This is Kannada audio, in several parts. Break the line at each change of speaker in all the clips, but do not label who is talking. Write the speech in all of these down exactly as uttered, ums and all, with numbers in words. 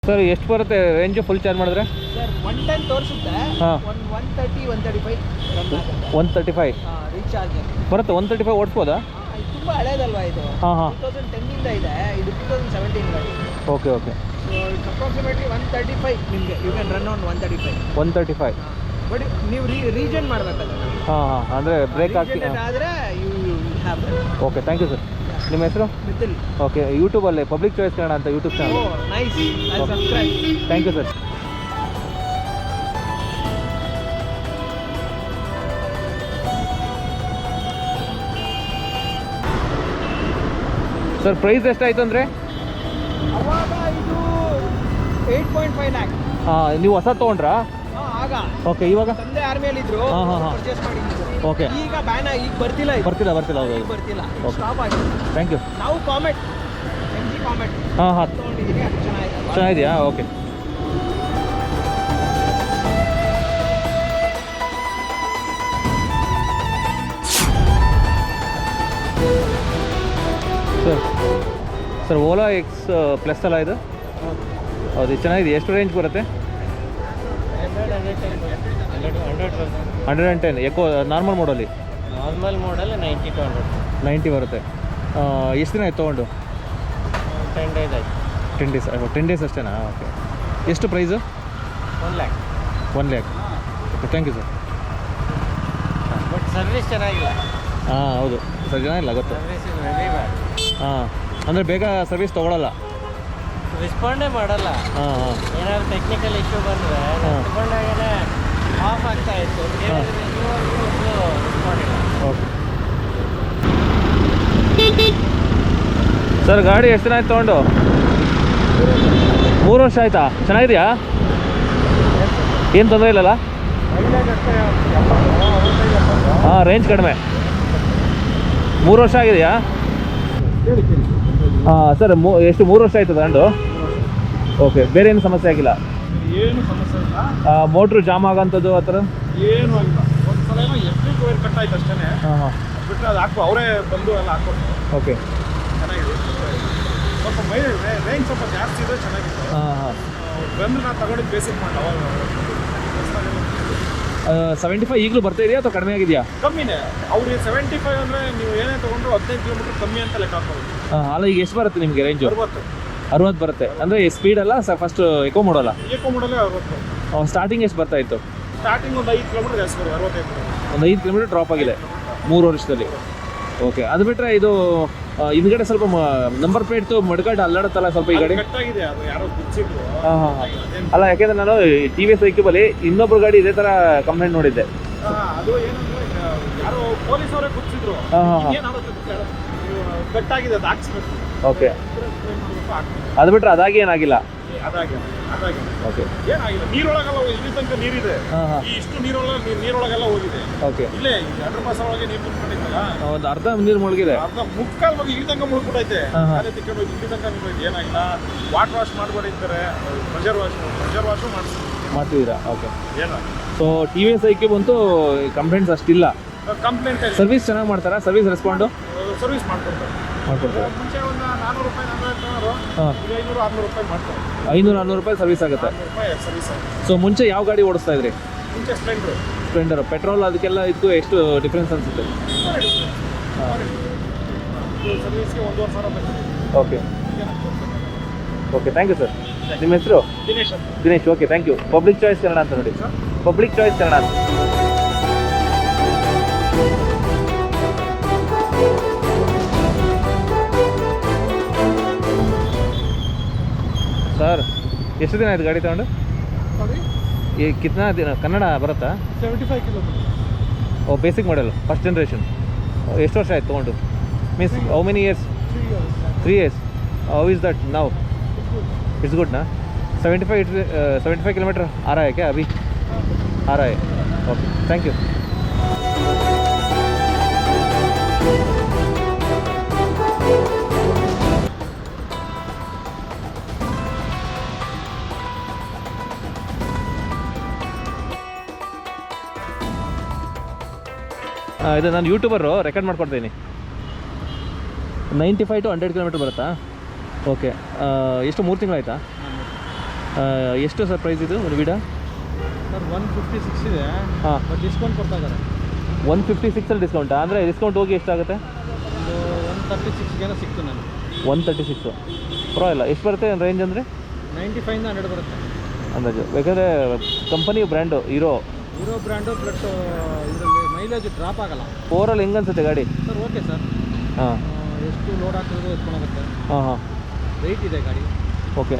ಸರ್ ಎಷ್ಟು ಬರುತ್ತೆ ರೇಂಜು ಫುಲ್ ಚಾರ್ಜ್ ಮಾಡಿದ್ರೆ?
ಸರ್ ಒನ್ ಟೆನ್ ತೋರಿಸುತ್ತೆ.
ಹಾಂ
one one thirty one thirty five
one thirty five
recharge
ಬರುತ್ತೆ. ಒನ್ ತರ್ಟಿ ಫೈವ್ ಓಡಿಸ್ಬೋದಾ?
ತುಂಬ ಹಳೇದಲ್ವಾ ಇದು?
ಹಾಂ ಹಾಂ
ಟೂ ತೌಸಂಡ್ ಟೆನ್ನಿಂದ ಇದೆ, ಇದು ಟೂ ತೌಸಂಡ್ ಸೆವೆಂಟೀನ್ ಗಾಡಿ.
Okay okay.
So it's approximately one thirty five ನಿಮಗೆ you can run on one thirty five
one thirty five
but ನೀವು ರೀ ರೀಜನ್ ಮಾಡಬೇಕಲ್ಲ.
ಹಾಂ ಹಾಂ ಅಂದರೆ ಬ್ರೇಕ್ ಹಾಕಿ
ಆದರೆ you have
okay. Thank you sir. ನಿಮ್ಮ ಹೆಸರು?
ಮಿಥಿಲ್.
ಓಕೆ. ಯೂಟ್ಯೂಬಲ್ಲಿ ಪಬ್ಲಿಕ್ ಚಾಯ್ಸ್ ಕನ್ನಡ ಅಂತ YouTube channel.
Oh nice, I subscribe.
Thank you sir. Sir price ಎಷ್ಟಾಯಿತು ಅಂದರೆ?
ಅವಾಗ ಇದು ಏಯ್ಟ್ ಪಾಯಿಂಟ್ ಫೈವ್ ಲ್ಯಾಕ್.
ಹಾಂ ನೀವು ಹೊಸ ತೊಗೊಂಡ್ರಾ?
ಹಾಂ ಆಗ.
ಓಕೆ. ಇವಾಗ
ತಂದೆ ಆರ್ಮಿಯಲ್ಲಿ ಇದ್ರು,
ಹಾಂ ಹಾಂ ಹಾಂ
ಪರ್ಚೇಸ್ ಮಾಡಿದ್ರು.
ಓಕೆ.
ಈಗ ಬ್ಯಾನ್ ಈಗ ಬರ್ತಿಲ್ಲ ಇದು.
ಬರ್ತಿಲ್ಲ ಬರ್ತಿಲ್ಲ ಹೌದು
ಈಗ ಬರ್ತಿಲ್ಲ,
ಓಕೆ.
ಸ್ಟಾಪ್ ಆಗಿದೆ.
Thank you.
ನಾವು ಕಾಮೆಟ್ ಎಮ್ ಜಿ ಕಾಮೆಟ್
ಹಾಂ ಹಾಂ
ತೊಗೊಂಡಿದ್ದೀನಿ, ಅದು ಚೆನ್ನಾಗಿದೆ.
ಚೆನ್ನಾಗಿದೆಯಾ? Okay. Sir sir Ola X plus ಅಲ್ಲ ಇದು? ಹೌದು, ಚೆನ್ನಾಗಿದೆ. ಎಷ್ಟು ರೇಂಜ್ ಬರುತ್ತೆ? Hundred and ten eco normal ಮೋಡಲ್ಲಿ?
Normal model ninety to hundred
ninety ಬರುತ್ತೆ. ಎಷ್ಟು ದಿನ ಆಯ್ತು ತೊಗೊಂಡು?
ಟೆನ್ ಡೇಸ್ ಆಯ್ತು.
ಟೆನ್ ಡೇಸ್ ಟೆನ್ ಡೇಸ್ ಅಷ್ಟೇನಾ? ಓಕೆ. ಎಷ್ಟು price?
One lakh.
One lakh. Okay. Thank you sir.
But service ಚೆನ್ನಾಗಿಲ್ಲ.
ಹಾಂ ಹೌದು, ಸರ್ ಚೆನ್ನಾಗಿಲ್ಲ ಗೊತ್ತು.
Service is very bad.
ಹಾಂ ಅಂದರೆ ಬೇಗ ಸರ್ವಿಸ್ ತೊಗೊಳಲ್ಲ,
ರೆಸ್ಪಾಂಡೇ ಮಾಡಲ್ಲ.
ಹಾಂ ಹಾಂ
ಏನಾದ್ರು ಟೆಕ್ನಿಕಲ್ ಇಶ್ಯೂ ಬಂದರೆ
ಹಾಂ.
ತಗೊಂಡಾಗಲೇ ಆಫ್ ಆಗ್ತಾ ಇತ್ತು.
ಹಾಂ.
ರೆಸ್ಪಾಂಡಿಲ್ಲ.
ಓಕೆ. ಸರ್ ಗಾಡಿ ಎಷ್ಟು ದಿನ ಆಯ್ತು ತೊಗೊಂಡು? ಮೂರು ವರ್ಷ ಆಯಿತಾ? ಚೆನ್ನಾಗಿದೆಯಾ? ಏನು ತೊಂದರೆ ಇಲ್ಲಲ್ಲ? ಹಾಂ, ರೇಂಜ್ ಕಡಿಮೆ. ಮೂರು ವರ್ಷ ಆಗಿದೆಯಾ? ಹಾಂ ಸರ್, ಮೂ ಎಷ್ಟು ಮೂರು ವರ್ಷ ಆಯ್ತು ತಗೊಂಡು? ಓಕೆ. ಬೇರೆ ಏನು ಸಮಸ್ಯೆ ಆಗಿಲ್ಲ?
ಏನು ಸಮಸ್ಯೆ ಇಲ್ಲ.
ಮೋಟ್ರು ಜಾಮ್ ಆಗೋಂಥದ್ದು ಆ ಥರ
ಏನು ಆಗಿಲ್ಲ. ಒಂದು ಸಲ ಏನೋ ಎಲೆಕ್ಟ್ರಿಕ್ ವೈರ್ ಕಟ್ ಆಯ್ತು ಅಷ್ಟೇ.
ಹಾಂ ಹಾಂ
ಬಿಟ್ಟರೆ ಅದು ಹಾಕೋ ಅವರೇ ಬಂದು ಎಲ್ಲ ಹಾಕ್ಕೊಟ್ಟು
ಓಕೆ.
ಚೆನ್ನಾಗಿದೆ. ಸ್ವಲ್ಪ ಮೈ ರೇಂಜ್ ಸ್ವಲ್ಪ ಜಾಸ್ತಿ ಇದೆ, ಚೆನ್ನಾಗಿದೆ.
ಹಾಂ ಹಾಂ
ಬಂದು ನಾನು ತಗೊಂಡಿದ್ದು ಬೇಸಿಕ್ ಮಾಡಿ ಅವಾಗ
ಸೆವೆಂಟಿ ಫೈವ್ ಈಗಲೂ ಬರ್ತಾ ಇದೆಯಾ ಅಥವಾ ಕಡಿಮೆ ಆಗಿದೆಯಾ?
ಕಮ್ಮಿನೇ. ಅವ್ರಿಗೆ ಸೆವೆಂಟಿ ಫೈವ್ ಅಂದರೆ ನೀವು ಏನೇ ತೊಗೊಂಡ್ರು ಹದಿನೈದು ಕಿಲೋಮೀಟ್ರ್ ಕಮ್ಮಿ ಅಂತ ಲೆಕ್ಕ ಹಾಕೋದು.
ಹಾಂ, ಅಲ್ಲ ಈಗ ಎಷ್ಟು ಬರುತ್ತೆ ನಿಮಗೆ ರೇಂಜು?
ಅರವತ್ತು
ಅರವತ್ತು ಬರುತ್ತೆ. ಅಂದರೆ ಸ್ಪೀಡ್ ಅಲ್ಲ ಸ ಫಸ್ಟ್ ಎಕೋ ಮಾಡೋಲ್ಲ?
ಏಕೋ ಮಾಡಲೇ ಅರವತ್ತು.
ಸ್ಟಾರ್ಟಿಂಗ್ ಎಷ್ಟು ಬರ್ತಾ ಇತ್ತು?
ಸ್ಟಾರ್ಟಿಂಗ್ ಒಂದು ಐದು ಕಿಲೋಮೀಟ್ರ್ ಜಾಸ್ತಿ ಬರೋದು, ಅರವತ್ತೈದು ಕಿಲೋಮೀಟ್ರ್.
ಒಂದು ಐದು ಕಿಲೋಮೀಟರ್ ಡ್ರಾಪ್ ಆಗಿದೆ ಮೂರು ವರ್ಷದಲ್ಲಿ. ಓಕೆ. ಅದು ಬಿಟ್ಟರೆ ಇದು ಆ, ಹಿಂದ್ಗಡೆ ಸ್ವಲ್ಪ ನಂಬರ್ ಪ್ಲೇಟ್ದು ಮಡ್ಗಾಡು ಅಲ್ಲಾಡುತ್ತಲ್ಲ ಸ್ವಲ್ಪ ಈ ಗಾಡಿ?
ಕಟ್ಟಾಗಿದೆ, ಅದು ಯಾರೋ ಬಿಚ್ಚಿದ್ರು.
ಹಾಂ ಹಾಂ ಹಾಂ ಅಲ್ಲ, ಯಾಕೆಂದರೆ ನಾನು ಟಿ ವಿ ಎಸ್ ಸೈಕಲಲ್ಲಿ ಇನ್ನೊಬ್ಬರು ಗಾಡಿ ಇದೇ ಥರ ಕಂಪ್ಲೇಂಟ್ ನೋಡಿದ್ದೆ.
ಅದು ಏನಂದ್ರೆ ಯಾರೋ ಪೊಲೀಸ್ ಅವರೇ ಗುರ್ತಿದ್ರು.
ಹಾಂ ಹಾಂ ಹಾಂ
ಏನಾಗುತ್ತೆ ಕಟ್ಟಾಗಿದೆ, ಅದು ಹಾಕ್ಸ್ಬೇಕು.
ಓಕೆ. ಅದು ಬಿಟ್ಟರೆ ಅದಾಗಿ ಏನಾಗಿಲ್ಲ?
ಅದಾಗಿ ಅದಾಗಿ
ಓಕೆ.
ಏನಾಗಿಲ್ಲ. ನೀರೊಳಗೆಲ್ಲ ಇಲ್ಲಿ ತನಕ ನೀರಿದೆ.
ಹಾಂ ಹಾಂ
ಈ ಇಷ್ಟು ನೀರೊಳಗೆ ನೀರೊಳಗೆಲ್ಲ ಹೋಗಿದೆ.
ಓಕೆ.
ಇಲ್ಲೇ ಅಡ್ರ ಮಾಸ ಒಳಗೆ ನೀರು ತುಂಬಿಕೊಂಡಿದ್ದಲ್ಲ,
ಒಂದು ಅರ್ಧ ನೀರು ಮುಳುಗಿದೆ.
ಅರ್ಧ ಮುಕ್ಕಾಲ್ ಹೋಗಿ ಇಲ್ಲಿ ತನಕ ಮುಳುಗ್ಬಿಟ್ಟೈತೆ.
ಹಾಂ ಹಾಂ
ಅದೇ ತಿಕ್ಕೊಂಡು ಹೋಗಿ ಇಲ್ಲಿ ತನಕ ನಿಂತೈತೆ. ಏನಾಗಿಲ್ಲ. ವಾಟರ್ ವಾಶ್ ಮಾಡ್ಕೊಂಡಿರ್ತಾರೆ, ಪ್ರೆಷರ್ ವಾಶ್ ಪ್ರೆಷರ್ ವಾಶು ಮಾಡಿಸ್ತಾರೆ.
ಮಾಡ್ತಿದ್ದೀರಾ? ಓಕೆ.
ಏನಾಗಿಲ್ಲ.
So T V S iQube ಬಂತು ಕಂಪ್ಲೇಂಟ್ಸ್ ಅಷ್ಟಿಲ್ಲ.
ಕಂಪ್ಲೇಂಟ್
ಸರ್ವಿಸ್ ಚೆನ್ನಾಗಿ ಮಾಡ್ತಾರಾ? ಸರ್ವಿಸ್ ರೆಸ್ಪಾಂಡು
ಸರ್ವಿಸ್ ಮಾಡ್ಕೊಡ್ತಾರೆ.
ಮಾಡ್ಕೊಡ್ತಾರೆ.
ಮುಂಚೆ ಒಂದು ನಾನ್ನೂರು ರೂಪಾಯಿ ನಾನ್ನೂರು ತೊಗೊಳೋರು,
ಹಾಂ,
ಈಗ ಐನೂರು ಆರ್ನೂರು ರೂಪಾಯಿ ಮಾಡ್ತಾರೆ.
ಐನೂರು ಆರ್ನೂರು ರೂಪಾಯಿ ಸರ್ವಿಸ್ ಆಗುತ್ತೆ.
ಆರ್ನೂರು ರೂಪಾಯಿ ಸರ್ವಿಸ್ ಆಗುತ್ತೆ.
ಸೊ ಮುಂಚೆ ಯಾವ ಗಾಡಿ ಓಡಿಸ್ತಾ ಇದ್ರಿ?
ಮುಂಚೆ ಸ್ಪ್ಲೆಂಡ್ರು
ಸ್ಪ್ಲೆಂಡರ್ ಪೆಟ್ರೋಲ್ ಅದಕ್ಕೆಲ್ಲ ಇದಕ್ಕೂ ಎಷ್ಟು ಡಿಫ್ರೆನ್ಸ್ ಅನಿಸುತ್ತೆ? ಹಾಂ,
ಸರ್ವಿಸ್ಗೆ ಒಂದೂವರೆ ಸಾವಿರ ಬರ್ತದೆ.
Okay okay. Thank you sir. ನಿಮ್ಮ ಹೆಸರು?
ದಿನೇಶ್ ಅಂತ.
Dinesh. Okay, thank you. Public choice Kannada ಅಂತ ನೋಡಿ. ಪಬ್ಲಿಕ್ ಚಾಯ್ಸ್ ಕನ್ನಡ ಅಂತ. ಸರ್ ಎಷ್ಟು ದಿನ ಆಯ್ತು ಗಾಡಿ ತಗೊಂಡು? ಈ ಕಿತ್ನಾ ದಿನ ಕನ್ನಡ ಬರುತ್ತಾ?
Seventy five kilometre.
ಓ, ಬೇಸಿಕ್ ಮಾಡೆಲ್ ಫಸ್ಟ್ ಜನ್ರೇಷನ್. ಎಷ್ಟು ವರ್ಷ ಆಯ್ತು ತೊಗೊಂಡು? Means how many years? Three years. How is that now? It's good ना? Seventy five seventy five kilometre आ रहा है क्या अभी? आ रहा है. Okay, thank you. ಇದು ನಾನು ಯೂಟ್ಯೂಬರು ರೆಕಾರ್ಡ್ ಮಾಡ್ಕೊಡ್ತೀನಿ. Ninety five to hundred kilometre ಬರುತ್ತಾ? ಓಕೆ. ಎಷ್ಟು ಮೂರು ತಿಂಗಳಾಯ್ತಾ? ಎಷ್ಟು ಸರ್ ಪ್ರೈಸ್ ಇದು ಒಂದು Vida?
Sir one fifty six ಇದೆ,
ಹಾಂ,
ಬಟ್ ಡಿಸ್ಕೌಂಟ್ ಕೊಡ್ತಾ ಇದ್ದಾರೆ.
ಒನ್ ಫಿಫ್ಟಿ ಸಿಕ್ಸಲ್ಲಿ ಡಿಸ್ಕೌಂಟಾ? ಅಂದರೆ ಡಿಸ್ಕೌಂಟ್ ಹೋಗಿ ಎಷ್ಟಾಗುತ್ತೆ?
ಒಂದು ಒನ್ ತರ್ಟಿ ಸಿಕ್ಸ್ಗೇನೋ ಸಿಕ್ತು ನನಗೆ.
ಒನ್ ತರ್ಟಿ ಸಿಕ್ಸು ಪರವಾಗಿಲ್ಲ. ಎಷ್ಟು ಬರುತ್ತೆ ರೇಂಜ್ ಅಂದರೆ?
ನೈಂಟಿ ಫೈವ್ನ ಹಂಡ್ರೆಡ್ ಬರುತ್ತೆ
ಅಂದಾಜು. ಬೇಕಾದರೆ company brand Hero
Hero brand, plus ಇದರಲ್ಲಿ ಮೈಲೇಜ್ ಡ್ರಾಪ್ ಆಗಲ್ಲ.
ಓವರಾಲ್ ಹೆಂಗೆ ಅನ್ಸುತ್ತೆ ಗಾಡಿ?
Sir okay sir.
ಹಾಂ,
ಎಷ್ಟು ಲೋಡ್ ಹಾಕಿದ್ರು ಎತ್ಕೊಂಡೋಗುತ್ತೆ.
ಹಾಂ ಹಾಂ,
ವೆಯ್ಟ್ ಇದೆ ಗಾಡಿ.
ಓಕೆ.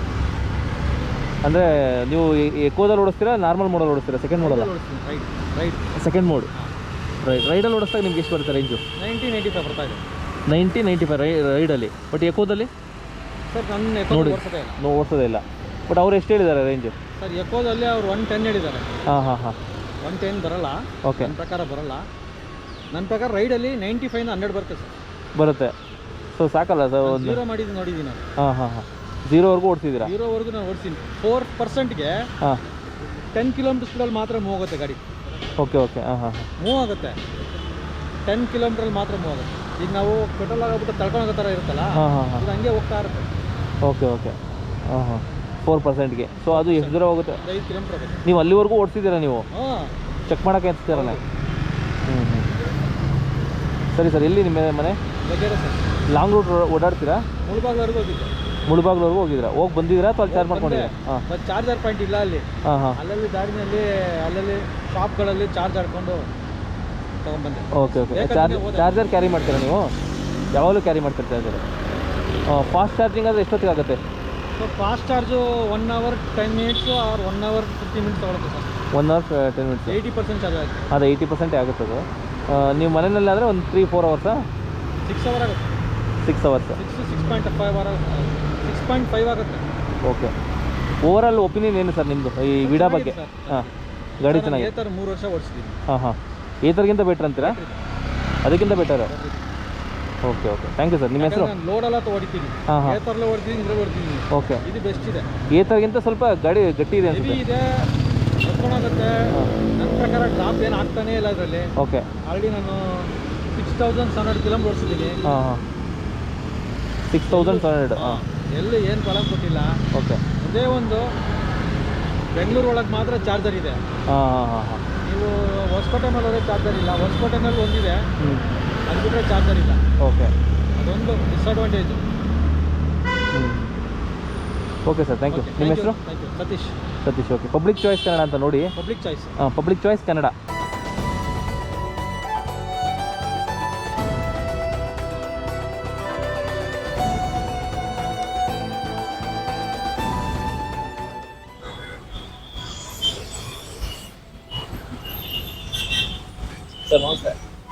ಅಂದರೆ ನೀವು ಎಕೋದಲ್ಲಿ ಓಡಿಸ್ತೀರಾ, ನಾರ್ಮಲ್ ಮೋಡಲ್ಲಿ ಓಡಿಸ್ತೀರಾ? ಸೆಕೆಂಡ್ ಮೋಡಲ್ಲ,
right right
second mode. Right ರೈಡಲ್ಲಿ ಓಡಿಸ್ದಾಗ ನಿಮ್ಗೆ ಎಷ್ಟು ಬರುತ್ತೆ ರೇಂಜು?
ನೈಂಟಿ ನೈಂಟಿ ಫೈವ್ ಬರ್ತಾ ಇದೆ.
ನೈಂಟಿ ನೈಂಟಿ ಫೈವ್ ರೈ ರೈಡಲ್ಲಿ. ಬಟ್ ಎಕೋದಲ್ಲಿ
ಸರ್ ನನ್ನ ಎಕೋ
ನೋಡಿ
ಓಡಿಸೋದೇ ಇಲ್ಲ.
ನೋ ಓಡಿಸೋದೇ ಇಲ್ಲ. ಬಟ್ ಅವ್ರು ಎಷ್ಟು ಹೇಳಿದ್ದಾರೆ ರೇಂಜು?
ಸರ್ ಎಕೋದಲ್ಲಿ ಅವ್ರು ಒನ್ ಟೆನ್ ಹೇಳಿದ್ದಾರೆ.
ಹಾಂ ಹಾಂ ಹಾಂ,
ಒನ್ ಟೆನ್ ಬರಲ್ಲ,
ಓಕೆ.
ನನ್ನ ಪ್ರಕಾರ ಬರಲ್ಲ. ನನ್ನ ಪ್ರಕಾರ ರೈಡಲ್ಲಿ ನೈಂಟಿ ಫೈವ್ನ ಹಂಡ್ರೆಡ್ ಬರುತ್ತೆ ಸರ್.
ಬರುತ್ತೆ. ಸೊ ಸಾಕಲ್ಲ ಸರ್ ಒಂದು?
ಜೀರೋ ಮಾಡಿದ್ದು ನೋಡಿದ್ದೀನಿ ನಾನು.
ಹಾಂ ಹಾಂ ಹಾಂ, ಜೀರೋವರೆಗೂ ಓಡಿಸಿದ್ದೀರಾ?
ಜೀರೋವರೆಗೂ ನಾನು ಓಡಿಸ್ತೀನಿ. ಫೋರ್ ಪರ್ಸೆಂಟ್ಗೆ
ಹಾಂ,
ಟೆನ್ ಕಿಲೋಮೀಟರ್ ಸ್ಪೀಡಲ್ಲಿ ಮಾತ್ರ ಮೂವ್ ಆಗುತ್ತೆ ಗಾಡಿ.
Okay okay. ಹಾಂ ಹಾಂ ಹಾಂ,
ಮೂವ್ ಆಗುತ್ತೆ, ಟೆನ್ ಕಿಲೋಮೀಟ್ರಲ್ಲಿ ಮಾತ್ರ ಮೂವ್ ಆಗುತ್ತೆ. ಈಗ ನಾವು ಪೆಟ್ರೋಲ್ ಆಗೋಗ್ಬಿಟ್ಟು ತಳ್ಕೊಳೋ ಥರ ಇರುತ್ತಲ್ಲ,
ಹಾಂ ಹಾಂ ಹಾಂ,
ಇದು ಹಂಗೆ ಹೋಗ್ತಾ ಇರುತ್ತೆ.
Okay okay. ಹಾಂ ಹಾಂ, ಫೋರ್ ಪರ್ಸೆಂಟ್ಗೆ. ಸೊ ಅದು ಎಷ್ಟು ದೂರ ಹೋಗುತ್ತೆ?
ಒಂದು ಐದು ಕಿಲೋಮೀಟರ್ ಆಗುತ್ತೆ.
ನೀವು ಅಲ್ಲಿವರೆಗೂ ಓಡಿಸಿದ್ದೀರಾ ನೀವು?
ಹಾಂ,
ಚೆಕ್ ಮಾಡೋಕ್ಕೆ ಅನ್ಸ್ತೀರಲ್ಲ? ಹ್ಞೂ ಹ್ಞೂ, ಸರಿ ಸರ್. ಎಲ್ಲಿ ನಿಮ್ಮ ಮನೆ?
ಬೇರೆ ಸರ್.
ಲಾಂಗ್ ರೂಟ್ ಓಡಾಡ್ತೀರಾ?
ಮುಳುಬಾಗ್ಲವರೆಗೂ ಹೋಗಿದ್ದೆ.
ಮುಳುಬಾಗ್ಲವರೆಗೂ ಹೋಗಿದ್ದೀರಾ? ಹೋಗಿ ಬಂದಿದ್ದೀರಾ ಅಥವಾ ಅಲ್ಲಿ ಚಾರ್ಜ್ ಮಾಡ್ಕೊಂಡಿದ್ದೀರಾ? ಹಾಂ,
ಬಟ್ ಚಾರ್ಜರ್ ಪಾಯಿಂಟ್ ಇಲ್ಲ ಅಲ್ಲಿ.
ಹಾಂ ಹಾಂ,
ಅಲ್ಲಲ್ಲಿ ದಾರಿನಲ್ಲಿ ಅಲ್ಲಲ್ಲಿ ಶಾಪ್ಗಳಲ್ಲಿ ಚಾರ್ಜ್ ಹಾಕ್ಕೊಂಡು ತೊಗೊಂಡ್ಬಂದೆ.
Okay okay. Charge charger carry ಮಾಡ್ತೀರಾ ನೀವು? ಯಾವಾಗಲೂ ಕ್ಯಾರಿ ಮಾಡ್ತೀರಾ ಚಾರ್ಜರ್? ಫಾಸ್ಟ್ ಚಾರ್ಜಿಂಗ್ ಆದರೆ ಎಷ್ಟೊತ್ತಿಗೆ ಆಗುತ್ತೆ?
So fast charge one hour ten minutes or one hour fifty minutes ತೊಗೊಳುತ್ತೆ sir.
One hour ten minutes,
eighty percent charge ಆಗುತ್ತೆ.
ಅದು ಏಯ್ಟಿ ಪರ್ಸೆಂಟೇ ಆಗುತ್ತೆ ಅದು. ನೀವು ಮನೆಯಲ್ಲಿ ಆದರೆ ಒಂದು ತ್ರೀ ಫೋರ್ ಅವರ್ಸಾ?
ಸಿಕ್ಸ್ ಅವರ್ ಆಗುತ್ತೆ.
Six hours
six six point five hour six point five ಆಗುತ್ತೆ.
ಓಕೆ. ಓವರಾಲ್ ಒಪಿನಿಯನ್ ಏನು ಸರ್ ನಿಮ್ಮದು ಈ ವಿಡಾ ಬಗ್ಗೆ? ಹಾಂ, ಗಾಡಿ ಚೆನ್ನಾಗಿದೆ.
ಏತರ್ ಮೂರು ವರ್ಷ ಓಡಿಸಿದ್ದೀನಿ.
ಹಾಂ ಹಾಂ, ಏತರ್ಗಿಂತ ಬೆಟ್ರ್ ಅಂತೀರಾ? ಅದಕ್ಕಿಂತ better. Okay okay, thank you sir. ನಿಮ್ಮ ಹೆಸರು?
ನಾನು ಲೋಡ್ ಎಲ್ಲ ಹೊಡಿತೀನಿ.
ಹಾಂ ಹಾಂ,
ಏತರ್ಲೆ ಹೊಡ್ತೀನಿ, ಇದ್ರೆ ಹೊಡ್ತೀನಿ.
ಓಕೆ.
ಇದು ಬೆಸ್ಟ್ ಇದೆ.
ಏತರ್ಗಿಂತ ಸ್ವಲ್ಪ ಗಾಡಿ ಗಟ್ಟಿ ಇದೆ
ಹೆವಿ
ಅನ್ಸುತ್ತೆ.
ಇದೆ, ಎತ್ಕೊಂಡೋಗುತ್ತೆ. ನನ್ನ ಪ್ರಕಾರ ಡ್ರಾಪ್ ಏನು ಆಗ್ತಾನೇ ಇಲ್ಲ ಇದರಲ್ಲಿ.
ಓಕೆ.
ಆಲ್ರೆಡಿ ನಾನು six thousand seven hundred kilometre ಓಡಿಸಿದ್ದೀನಿ.
ಹಾಂ ಹಾಂ, ಸಿಕ್ಸ್ ತೌಸಂಡ್ ಸೆವೆನ್ ಹಂಡ್ರೆಡ್. ಹಾಂ,
ಎಲ್ಲಿ ಏನು ಪ್ರಾಬ್ಲಮ್ ಕೊಟ್ಟಿಲ್ಲ.
ಓಕೆ.
ಅದೇ ಒಂದು ಬೆಂಗಳೂರು ಒಳಗೆ ಮಾತ್ರ ಚಾರ್ಜರ್ ಇದೆ.
ಹಾಂ ಹಾಂ ಹಾಂ ಹಾಂ,
ನೀವು ಹೊಸಕೋಟೆ ಮೇಲೆ ಹೋದ್ರೆ ಚಾರ್ಜರ್ ಇಲ್ಲ. ಹೊಸಕೋಟೆನಲ್ಲಿ ಒಂದಿದೆ,
ಹ್ಞೂ,
ಅದು ಬಿಟ್ಟರೆ ಚಾರ್ಜರ್ ಇಲ್ಲ.
ಓಕೆ.
ಅದೊಂದು ಡಿಸ್ಅಡ್ವಾಂಟೇಜು.
ಹ್ಞೂ, ಓಕೆ ಸರ್, ಥ್ಯಾಂಕ್ ಯು. ನಿಮ್ಮ ಹೆಸರು?
Thank you. Satish.
Satish, okay. Public choice Kannada ಅಂತ ನೋಡಿ.
Public choice.
ಹಾಂ, ಪಬ್ಲಿಕ್ ಚಾಯ್ಸ್ ಕನ್ನಡ. ಸರ್ ನಮಸ್ತೆ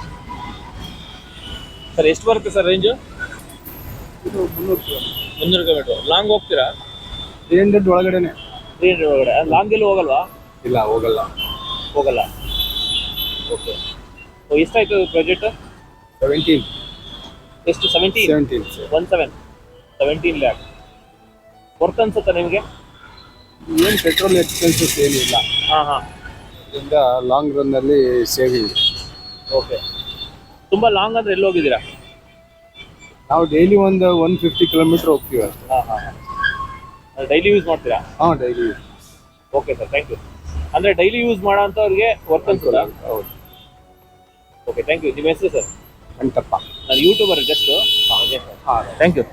ಸರ್. ಎಷ್ಟು ಬರುತ್ತೆ ಸರ್ ರೇಂಜು?
ಇದು ಮುನ್ನೂರು ಕಿಲೋಮೀಟರ್.
ಮುನ್ನೂರು ಕಿಲೋಮೀಟ್ರು. ಲಾಂಗ್ ಹೋಗ್ತೀರಾ?
ತ್ರೀ ಹಂಡ್ರೆಡ್ ಒಳಗಡೆನೆ.
ತ್ರೀ ಹಂಡ್ರೆಡ್ ಒಳಗಡೆ. ಲಾಂಗ್ ಎಲ್ಲೂ ಹೋಗಲ್ವಾ?
ಇಲ್ಲ, ಹೋಗಲ್ಲ.
ಹೋಗಲ್ಲ, ಓಕೆ. ಎಷ್ಟಾಯ್ತು ಬಜೆಟ್?
ಸೆವೆಂಟೀನ್.
ಎಷ್ಟು? Seventeen?
Seventeen
one seven seventeen lakh worth ಅನ್ಸುತ್ತೆ ನಿಮಗೆ?
ಏನು ಪೆಟ್ರೋಲ್ ಎಕ್ಸ್ಪೆನ್ಸಸ್ ಏನಿಲ್ಲ.
ಹಾಂ ಹಾಂ,
ಇದರಿಂದ ಲಾಂಗ್ ರನ್ನಲ್ಲಿ ಸೇವಿಂಗ್.
ಓಕೆ. ತುಂಬ ಲಾಂಗ್ ಅಂದರೆ ಎಲ್ಲಿ ಹೋಗಿದ್ದೀರಾ?
ನಾವು ಡೈಲಿ ಒಂದು ಒನ್ ಫಿಫ್ಟಿ ಕಿಲೋಮೀಟ್ರ್ ಹೋಗ್ತೀವಿ ಅಷ್ಟೇ.
ಹಾಂ ಹಾಂ ಹಾಂ, ಡೈಲಿ ಯೂಸ್ ಮಾಡ್ತೀರಾ?
ಹಾಂ, daily.
Okay sir, thank you. ಅಂದರೆ ಡೈಲಿ ಯೂಸ್ ಮಾಡೋ ಅಂಥವ್ರಿಗೆ ವರ್ತ್ ಅನ್ಸುತ್ತಾ?
ಹೌದು.
Okay, thank you. ನಿಮ್ಮ ಹೆಸರು ಸರ್?
ಅಂಟಪ್ಪ.
ನಾನು ಯೂಟ್ಯೂಬರ್ ಜಸ್ಟು.
ಹಾಂ,
ಥ್ಯಾಂಕ್ ಯು.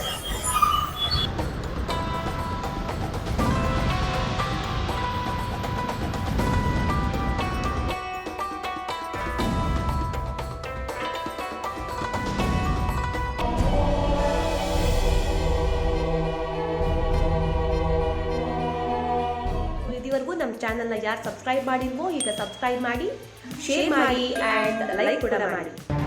ಇದುವರೆಗೂ ನಮ್ಮ ಚಾನಲ್ನ ಯಾರು ಸಬ್ಸ್ಕ್ರೈಬ್ ಮಾಡಿಲ್ವೋ ಈಗ ಸಬ್ಸ್ಕ್ರೈಬ್ ಮಾಡಿ, ಶೇರ್ ಮಾಡಿ ಆ್ಯಂಡ್ ಲೈಕ್ ಕೂಡ ಮಾಡಿ.